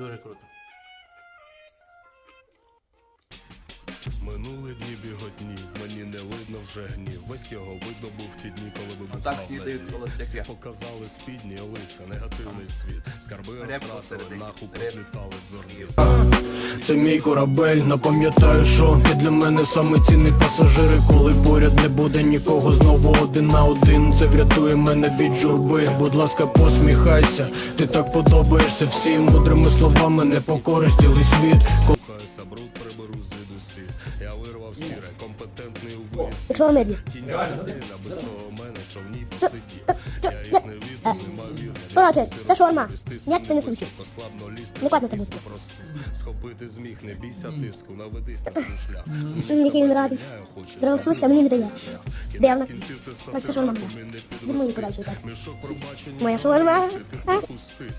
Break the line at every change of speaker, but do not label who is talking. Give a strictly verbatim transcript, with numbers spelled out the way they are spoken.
Дуже круто.
Минули дні біготні, в мені не видно вже гнів. Весь його видно був в ті дні, коли вибухав
Так снідають
ледь.
холостяки.
Всі показали спідні лиця, негативний світ. Скарби розтратили, нахуй послітали з зорні.
Це мій корабель, напам'ятаю, що ти для мене саме цінний пасажир. І коли поряд не буде нікого, знову один на один. Це врятує мене від журби. Будь ласка, посміхайся, ти так подобаєшся всім. Мудрими словами не покориш цілий світ.
Кохаюся, бруд приберу з усі. Я вирвав сіре, компетентний у вирісі.
Якщо ви медлі.
Тінь людина, без того мене, що в ній посидів. Я їх не віду, немовірно.
Коротше, це шаурма. Ніяк ти не суші.
Поскладно лізти,
Не кладно це музику.
просто. Схопити зміг, не бійся тиску, наведись на свій шлях.
М, Який він радий. Зробив суші, а мені не дає. Дивно. Бачите, шаурма моя. Від моєї подальшої так. Моя шаурма. А?